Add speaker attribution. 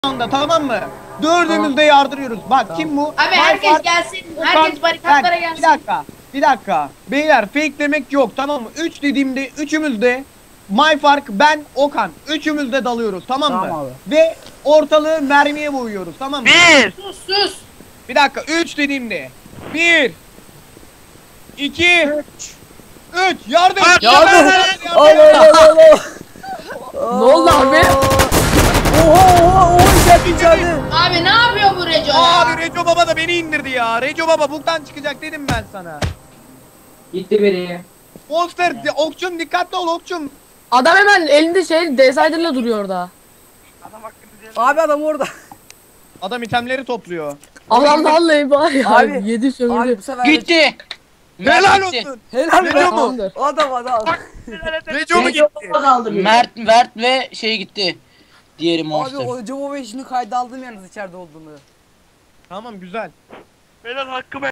Speaker 1: anda, tamam mı? Dördümüz de yardırıyoruz. Bak
Speaker 2: Tamam.
Speaker 1: kim bu?
Speaker 3: Abi herkes gelsin. Herkes barikatlara gelsin.
Speaker 1: Bir dakika. Beyler fake demek yok, tamam mı? 3 dediğimde üçümüz de Mayfark, ben, Okan. Üçümüz de dalıyoruz, tamam mı?
Speaker 2: Tamam abi.
Speaker 1: Ve ortalığı mermiye boyuyoruz, tamam mı?
Speaker 3: Sus.
Speaker 1: Bir dakika, 3 dediğimde. 1 2 3 yardım.
Speaker 2: Yardım.
Speaker 4: Ne oldu abi?
Speaker 2: Oha içeride.
Speaker 3: Abi ne yapıyor bu Reco ya?
Speaker 1: Abi Reco Baba da beni indirdi ya. Reco Baba buktan çıkacak dedim ben sana.
Speaker 5: Gitti biri.
Speaker 1: Monster, okçum dikkatli ol okçum.
Speaker 4: Adam hemen elinde şey Decider'la duruyor orada.
Speaker 2: Abi adam orada.
Speaker 1: Adam itemleri topluyor.
Speaker 4: Adam vallahi var ya.
Speaker 2: Abi,
Speaker 4: Yedi
Speaker 2: Abi
Speaker 4: sömürdü.
Speaker 2: bu sefer
Speaker 5: Gitti.
Speaker 1: Helal
Speaker 5: Mert gitti.
Speaker 1: olsun.
Speaker 2: Helal
Speaker 1: Reco
Speaker 2: be.
Speaker 1: mu?
Speaker 4: Tamamdır.
Speaker 2: Adam.
Speaker 1: Reco mu gitti?
Speaker 5: Mert ve şey gitti. Diğeri
Speaker 2: Abi
Speaker 5: Monster.
Speaker 2: o Jovo ve işini kayda aldım yalnız içeride olduğunu.
Speaker 1: Tamam güzel.
Speaker 6: Beyler hakkımı